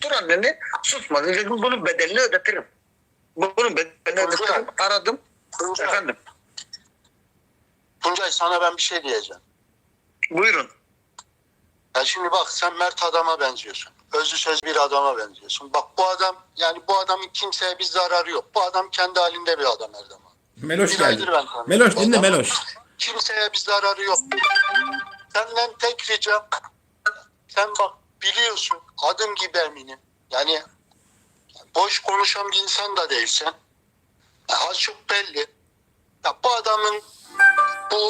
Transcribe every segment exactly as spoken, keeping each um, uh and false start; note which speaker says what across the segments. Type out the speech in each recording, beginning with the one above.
Speaker 1: otur anneni, susma. Dedim bunun bedelini ödetirim. Bunun bedelini ödetirim. Aradım.
Speaker 2: Tuncay,
Speaker 1: Efendim.
Speaker 2: Tuncay sana ben bir şey diyeceğim.
Speaker 1: Buyurun.
Speaker 2: Ya şimdi bak sen mert adama benziyorsun. Özlü söz bir adama benziyorsun. Bak bu adam yani bu adamın kimseye bir zararı yok. Bu adam kendi halinde bir adam Erdem abi.
Speaker 3: Meloş
Speaker 2: Bir
Speaker 3: geldi.
Speaker 2: aydır ben tanıyorum
Speaker 3: Meloş
Speaker 2: bu
Speaker 3: dinle
Speaker 2: adamı.
Speaker 3: Meloş.
Speaker 2: Kimseye bir zararı yok. Senden tek ricam sen bak biliyorsun adım gibi eminim. Yani boş konuşan bir insan da değilsen. Ya az çok belli. Ya bu adamın bu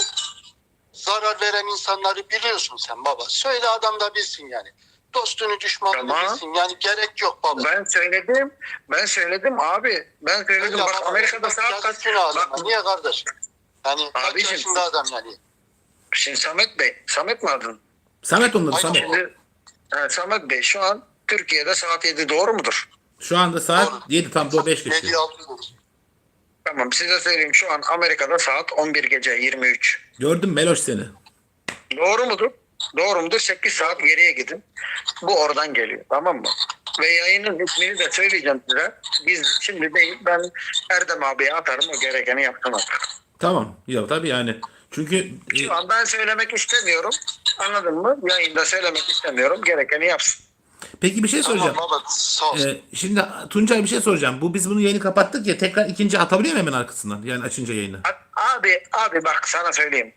Speaker 2: zarar veren insanları biliyorsun sen baba. Söyle adam da bilsin yani. Dostunu düşmanını
Speaker 1: Tamam.
Speaker 2: bilsin. Yani gerek yok baba.
Speaker 1: Ben söyledim. Ben söyledim abi. Ben söyledim.
Speaker 2: Öyle
Speaker 1: Bak
Speaker 2: baba,
Speaker 1: Amerika'da saat kaç?
Speaker 2: yazıksın adama.
Speaker 1: Bak,
Speaker 2: Niye kardeş? Yani kaç
Speaker 1: Abicim,
Speaker 2: yaşında adam yani?
Speaker 1: şimdi Samet Bey. Samet mi adın?
Speaker 3: Samet onun adı
Speaker 2: Aynen.
Speaker 3: Samet.
Speaker 1: Şimdi, evet, Samet Bey şu an Türkiye'de saat yedi, doğru mudur?
Speaker 3: Şu anda saat
Speaker 2: Doğru.
Speaker 3: yedi tam doğru beş
Speaker 2: Yedi
Speaker 3: geçiyor.
Speaker 2: altı.
Speaker 1: Tamam, size söyleyeyim, şu an Amerika'da saat on bir gece yirmi üç.
Speaker 3: Gördüm Meloş seni.
Speaker 1: Doğru mudur? Doğru mudur? sekiz saat geriye gidin. Bu oradan geliyor, tamam mı? Ve yayının ismini de söyleyeceğim size. Biz şimdi değil, ben Erdem abiye atarım, o gerekeni yapsın artık.
Speaker 3: Tamam. Ya tabii yani. Çünkü e,
Speaker 1: Şu an ben söylemek istemiyorum. Anladın mı? Yayında söylemek istemiyorum. Gerekeni yapsın.
Speaker 3: peki bir şey soracağım.
Speaker 2: Tamam baba sağ ol.
Speaker 3: Ee, şimdi Tuncay bir şey soracağım. Bu biz bunu yayını kapattık ya tekrar ikinci atabiliyor muyum hemen arkasından? Yani açınca yayını.
Speaker 1: Abi, abi bak sana söyleyeyim.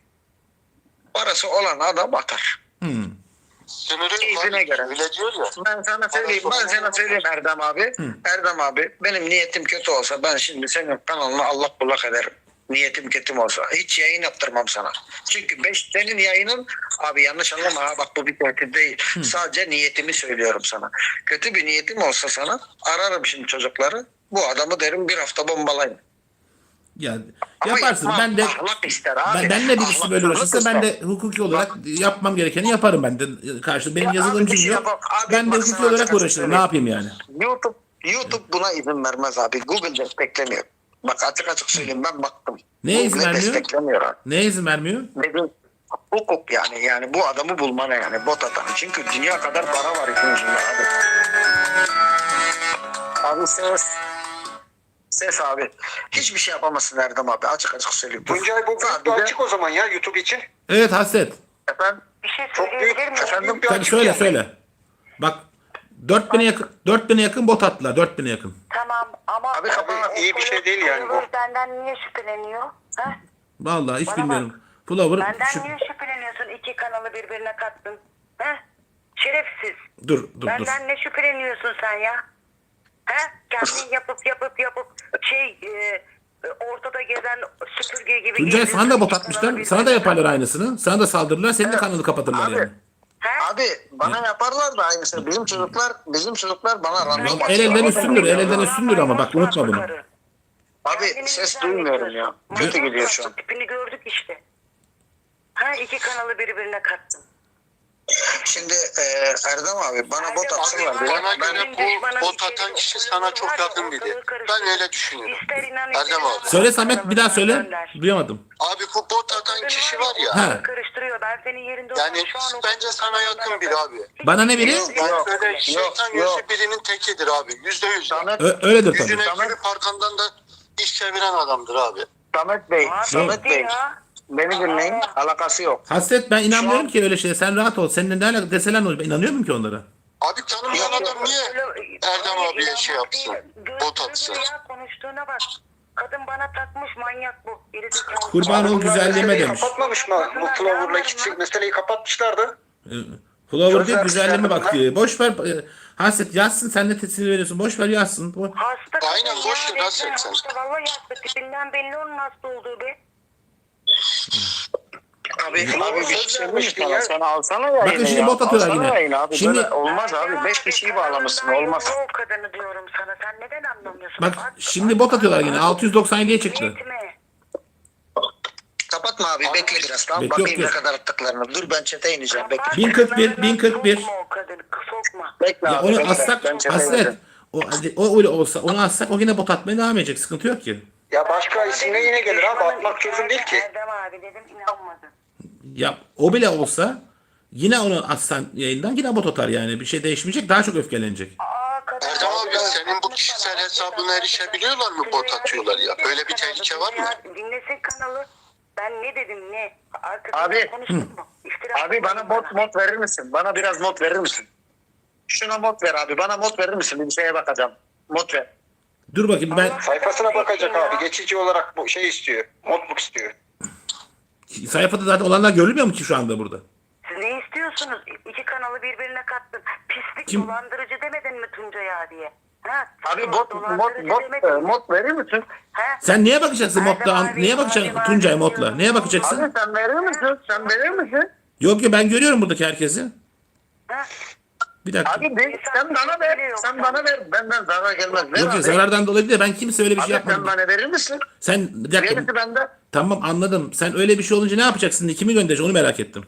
Speaker 1: Parası olan adam atar.
Speaker 3: Hmm.
Speaker 2: Sınırı
Speaker 1: Keyfine
Speaker 2: var.
Speaker 1: göre.
Speaker 2: Öyle diyor ya.
Speaker 1: Ben sana söyleyeyim, ben sana söyleyeyim Erdem abi. Erdem abi, benim niyetim kötü olsa ben şimdi senin kanalını allak bullak ederim. Niyetim kötü olsa. Hiç yayın yaptırmam sana. Çünkü beş, senin yayının, abi yanlış anlama ha, bak bu bir tehdit değil. Sadece niyetimi söylüyorum sana. Kötü bir niyetim olsa sana ararım şimdi çocukları. Bu adamı derim bir hafta bombalayın.
Speaker 3: Ya
Speaker 1: Ama
Speaker 3: yaparsın.
Speaker 1: yapmam,
Speaker 3: Ben de
Speaker 1: ahlak ister abi.
Speaker 3: ben, benle birisi
Speaker 1: Ahlak-
Speaker 3: böyle
Speaker 1: ahlak
Speaker 3: uğraşırsa
Speaker 1: ister.
Speaker 3: ben de hukuki olarak yapmam gerekeni yaparım ben de. Karşı benim
Speaker 1: Ya abi
Speaker 3: yazılımcım
Speaker 1: bir şey
Speaker 3: yok.
Speaker 1: yapalım. Abi
Speaker 3: Ben de
Speaker 1: bak
Speaker 3: hukuki
Speaker 1: sana
Speaker 3: olarak
Speaker 1: açık
Speaker 3: uğraşırım.
Speaker 1: söyleyeyim.
Speaker 3: Ne yapayım yani?
Speaker 1: YouTube YouTube buna izin vermez abi. Google desteklemiyor. Bak açık açık söyleyeyim, ben baktım.
Speaker 3: Neye izin
Speaker 1: Google
Speaker 3: vermiyor?
Speaker 1: desteklemiyor abi.
Speaker 3: Neye izin vermiyor?
Speaker 1: Dedim hukuk yani yani bu adamı bulmana yani bot atan. Çünkü dünya kadar para var işin ucunda abi. Abi ses ses abi. Hiçbir şey yapamazsın Erdem abi, açık açık söyleyeyim.
Speaker 4: Tuncay bu
Speaker 1: Sadece-
Speaker 4: grupta açık o zaman ya YouTube için.
Speaker 3: Evet Hasret.
Speaker 1: Efendim,
Speaker 5: Bir şey
Speaker 4: Çok büyük,
Speaker 5: söyleyebilir miyim?
Speaker 4: çok büyük bir
Speaker 3: Tabii
Speaker 4: açık
Speaker 3: söyle
Speaker 4: yani.
Speaker 3: söyle. Bak dört bine yakın dört bine yakın bot attılar. dört bine yakın.
Speaker 5: Tamam ama
Speaker 1: Abi, kapat.
Speaker 4: İyi bir şey değil yani bu.
Speaker 5: Follower benden niye şüpheleniyor? Ha?
Speaker 3: Vallahi hiç
Speaker 5: Bana
Speaker 3: bilmiyorum. Flower
Speaker 5: Benden
Speaker 3: şu-
Speaker 5: niye şüpheleniyorsun? İki kanalı birbirine kattın. Ha? Şerefsiz.
Speaker 3: dur dur dur.
Speaker 5: Benden ne şüpheleniyorsun sen ya? Ha? Kendin yapıp yapıp yapıp şey e, ortada gezen süpürge gibi.
Speaker 3: Tuncay
Speaker 5: geziyorsun.
Speaker 3: sana da bot
Speaker 5: İki
Speaker 3: atmışlar.
Speaker 5: kanalı
Speaker 3: Sana da
Speaker 5: birbirine
Speaker 3: yaparlar
Speaker 5: kattın.
Speaker 3: aynısını. Sana da saldırırlar. Senin de kanalı kapatırlar
Speaker 1: Abi.
Speaker 3: yani.
Speaker 5: Ha?
Speaker 1: abi bana yaparlar da aynısını. Bizim çocuklar bizim çocuklar bana random
Speaker 3: El
Speaker 1: atıyor.
Speaker 3: elden
Speaker 1: Ama
Speaker 3: üstündür.
Speaker 1: ben-
Speaker 3: El elden üstündür ama bak unutma bunu.
Speaker 1: Abi ses duymuyorum ya. Kötü gidiyor şu an.
Speaker 5: Tipini gördük işte. Ha iki kanalı birbirine kattın.
Speaker 1: Şimdi e, Erdem abi bana bot
Speaker 5: Erdem
Speaker 1: atsınlar
Speaker 5: abi,
Speaker 1: diye.
Speaker 2: Bana
Speaker 1: Ben
Speaker 2: göre bu bot atan kişi sana çok yakın biri. Ben öyle düşünüyorum.
Speaker 5: İster inan,
Speaker 2: Erdem
Speaker 5: ister
Speaker 2: abi.
Speaker 5: inanma.
Speaker 3: Söyle Samet bir daha söyle.
Speaker 5: Gönder.
Speaker 3: Duyamadım.
Speaker 2: Abi bu bot atan kişi var ya.
Speaker 3: Ha.
Speaker 5: Karıştırıyor. Ben senin yerinde
Speaker 2: Yani
Speaker 5: olsam şu an o-
Speaker 2: bence sana yakın biri abi.
Speaker 3: Bana ne biri?
Speaker 1: Yok,
Speaker 2: Yani
Speaker 1: yok,
Speaker 2: böyle
Speaker 1: yok,
Speaker 2: şeytan
Speaker 1: yok.
Speaker 2: yüzü birinin tekidir abi. Yüzde yüz.
Speaker 1: Samet,
Speaker 3: Ö- öyledir tabii.
Speaker 2: Yüzüne
Speaker 1: Tamam.
Speaker 2: gülüp arkandan da iş çeviren adamdır abi.
Speaker 1: Samet Bey,
Speaker 5: Abi,
Speaker 1: Samet Bey.
Speaker 5: ya.
Speaker 1: Beni dinleyin. Alakası yok.
Speaker 3: Hasret ben inanmıyorum
Speaker 1: Şu an-
Speaker 3: ki öyle şeye. Sen rahat ol. Seninle ne alakası deseler ne olur? Ben inanıyorum ki onlara.
Speaker 2: Abi tanımayan adam niye Erdem abiye şey yapsın? Bot atsın.
Speaker 5: Ya konuştuğuna bak. Kadın bana takmış, manyak bu. Gerizekalı.
Speaker 3: Kurban ol güzelliğime
Speaker 4: Meseleyi
Speaker 3: demiş.
Speaker 4: kapatmamış mı? Bu Flower'la ikisi meseleyi kapatmışlardı.
Speaker 3: Ee, Flower diyor
Speaker 1: Sözler
Speaker 3: güzelliğime bak
Speaker 1: çıkardım
Speaker 3: diyor. Boş ver. e, Hasret yazsın sen de tesir veriyorsun. Boş ver yazsın. Bu-
Speaker 5: Hasta kadın
Speaker 2: Aynen,
Speaker 5: ya,
Speaker 2: boş ver,
Speaker 5: resmen
Speaker 2: nasıl etsen?
Speaker 5: hasta. Vallahi hasta. Tipinden belli onun hasta olduğu be.
Speaker 1: Abi, abi bir şey
Speaker 4: Söz
Speaker 1: söyleyeyim
Speaker 4: vermiştin
Speaker 1: sana.
Speaker 4: ya.
Speaker 1: Sana alsana yayını.
Speaker 3: Bakın şimdi
Speaker 1: ya.
Speaker 3: bot atıyorlar
Speaker 1: Alsana
Speaker 3: yine.
Speaker 1: yayını abi.
Speaker 3: Şimdi-
Speaker 1: Böyle olmaz abi.
Speaker 5: Erdem
Speaker 1: Beş kişiyi
Speaker 5: kanalından
Speaker 1: bağlamışsın. Olmaz.
Speaker 5: ayrılma o kadını diyorum sana. Sen neden anlamıyorsun?
Speaker 3: Bak
Speaker 5: At-
Speaker 3: şimdi bot atıyorlar yine. altı yüz doksan yediye çıktı.
Speaker 5: Niyetime.
Speaker 1: Kapatma abi. Bekle biraz. Tamam.
Speaker 3: Bekle, yok,
Speaker 1: Bakayım ne
Speaker 3: yok.
Speaker 1: kadar attıklarını. Dur ben çete ineceğim. Bekle.
Speaker 3: bin kırk bir, bin kırk bir.
Speaker 5: Sokma o kadını. Sokma.
Speaker 1: Bekle
Speaker 3: Ya
Speaker 1: abi.
Speaker 3: onu
Speaker 1: bekle.
Speaker 3: assak
Speaker 1: Ben çete
Speaker 3: Hasret.
Speaker 1: ineceğim.
Speaker 3: O, o öyle olsa onu assak o yine bot atmaya devam edecek. Sıkıntı yok ki.
Speaker 4: Ya başka
Speaker 5: Sana
Speaker 4: isimle
Speaker 5: dedim
Speaker 4: yine
Speaker 5: ki,
Speaker 4: gelir abi.
Speaker 5: düşmanın
Speaker 4: Atmak çözüm değil ki.
Speaker 5: Erdem abi dedim, inanmadı.
Speaker 3: Ya o bile olsa yine onu atsan yayından yine bot atar yani. Bir şey değişmeyecek. Daha çok öfkelenecek.
Speaker 2: hesabına erişebiliyorlar mı bot atıyorlar ya? Böyle bir tehlike var mı?
Speaker 5: Dinlesin kanalı. Ben ne dedim ne? Arkasından
Speaker 1: Abi,
Speaker 5: konuştum mu? İftira
Speaker 1: Abi bana
Speaker 5: atmayın
Speaker 1: mod mod verir misin? Bana biraz mod verir misin? Şuna mod ver abi. Bana mod verir misin? Bir şeye bakacağım. Mod ver.
Speaker 3: Dur bakayım ben
Speaker 5: Allah-
Speaker 4: Sayfasına bakacak
Speaker 5: Ya.
Speaker 4: abi. Geçici olarak bu şey istiyor. Notebook istiyor.
Speaker 3: sayfada zaten olanlar görülmüyor mu ki şu anda burada?
Speaker 5: Siz ne istiyorsunuz? İki kanalı birbirine kattın. Pislik
Speaker 3: Kim?
Speaker 5: dolandırıcı demedin mi Tuncay'a diye? Ha?
Speaker 1: Abi mod mod
Speaker 5: dolandırıcı
Speaker 1: mod,
Speaker 5: demedin
Speaker 1: e,
Speaker 5: mi?
Speaker 1: mod verir misin?
Speaker 5: Ha?
Speaker 3: Sen neye bakacaksın
Speaker 5: Erdem
Speaker 3: modla?
Speaker 5: abi,
Speaker 3: Neye
Speaker 5: abi,
Speaker 3: bakacaksın
Speaker 5: abi,
Speaker 3: Tuncay
Speaker 5: abi
Speaker 3: modla?
Speaker 5: diyorum.
Speaker 3: Neye bakacaksın?
Speaker 1: Abi sen verir misin? Sen verir misin?
Speaker 3: Yok yok ben görüyorum buradaki herkesi.
Speaker 5: Ha?
Speaker 3: Bir dakika.
Speaker 1: Abi de, sen bana ver. Sen bana ver. Benden zarar gelmez. Ver
Speaker 3: Yok
Speaker 1: abi.
Speaker 3: yok zarardan dolayı değil. Ben kimse öyle bir şey
Speaker 1: Abi sen
Speaker 3: yapmadım.
Speaker 1: bana verir misin?
Speaker 3: Sen bir dakika.
Speaker 1: Gerisi bende.
Speaker 3: Tamam anladım. Sen öyle bir şey olunca ne yapacaksın? Kimi göndereceksin? Onu merak ettim.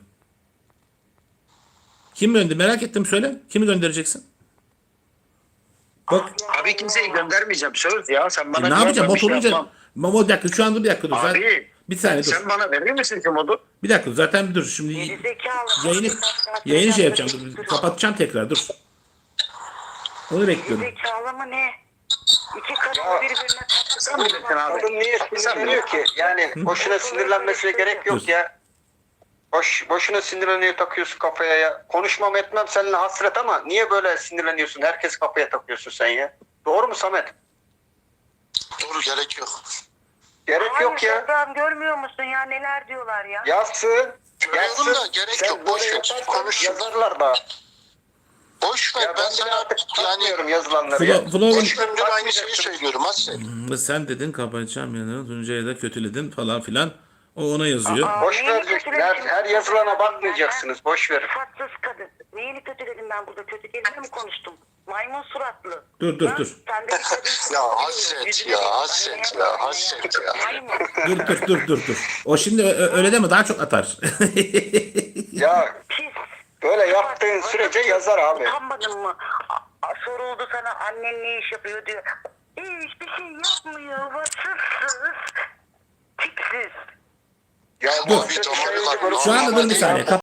Speaker 3: Kim gönder? Merak ettim söyle. Kimi göndereceksin? Bak.
Speaker 1: Abi kimseyi göndermeyeceğim. Söz ya. Sen bana
Speaker 3: E, ne
Speaker 1: güven,
Speaker 3: yapacağım?
Speaker 1: ben bir
Speaker 3: Mod
Speaker 1: şey
Speaker 3: olunca.
Speaker 1: yapmam.
Speaker 3: Mo- bir dakika şu anda bir dakika dur. Zaten-
Speaker 1: Abi.
Speaker 3: bir saniye dur.
Speaker 1: Sen bana verir misin ki modu?
Speaker 3: Bir dakika dur. Zaten bir dur. Şimdi
Speaker 5: Gerizekalı.
Speaker 3: yayını yayını şey yapacağım. Dur. Kapatacağım tekrar dur. Onu bekliyorum.
Speaker 5: Gerizekalı mı ne? İki kanalı birbirine kattın.
Speaker 1: Sen bilirsin abi.
Speaker 4: Kadın niye sinirleniyor ki? Yani boşuna sinirlenmesine gerek yok ya. Boş, boşuna sinirleniyor, takıyorsun kafaya ya. Konuşmam etmem seninle hasret ama niye böyle sinirleniyorsun? Herkes kafaya takıyorsun sen ya. Doğru mu Samet?
Speaker 2: Doğru, gerek yok.
Speaker 4: Gerek
Speaker 5: Hayır,
Speaker 4: yok ya.
Speaker 5: Şebnem, görmüyor musun ya neler diyorlar ya?
Speaker 4: Yazsın.
Speaker 2: Görüyorum da gerek
Speaker 4: Sen
Speaker 2: yok, boş
Speaker 4: böyle
Speaker 2: ver,
Speaker 4: yaparsan
Speaker 2: konuş.
Speaker 4: Yazarlar bana.
Speaker 2: Boş ver,
Speaker 4: Ya
Speaker 2: ben
Speaker 4: ben
Speaker 2: sana
Speaker 4: artık
Speaker 2: yani
Speaker 4: takmıyorum yazılanları ya.
Speaker 3: Flo, Flo'nun
Speaker 2: üç gündür aynı şeyi söylüyorum Aslen.
Speaker 3: sen dedin kapatacağım yanını. Tuncay'ı da kötüledin falan filan. O ona yazıyor.
Speaker 5: Aa,
Speaker 4: Boş
Speaker 5: neyini
Speaker 4: ver. Her,
Speaker 5: kötüledim?
Speaker 4: her yazılana bakmayacaksınız. Boş verin.
Speaker 5: Sıfatsız kadın. Neyini kötüledim ben burada? Kötü kelime mi konuştum? Maymun suratlı.
Speaker 3: Dur, dur,
Speaker 5: Ha?
Speaker 3: dur.
Speaker 5: Sen de bir kadınsın.
Speaker 2: Ya hasret ya, hasret ya, hasret ya.
Speaker 5: Maymun.
Speaker 3: Dur dur dur dur dur. O şimdi ö- ö- öyle deme daha çok atar.
Speaker 4: Ya
Speaker 5: Pis.
Speaker 4: böyle yaptığın sürece yazar abi.
Speaker 5: Utanmadın mı? A- a- soruldu sana annen ne iş yapıyor diyor. Hiçbir şey yapmıyor. Vasıfsız. Tipsiz.
Speaker 2: Ya bu bir damarlar.
Speaker 3: Şu anda dur bir saniye.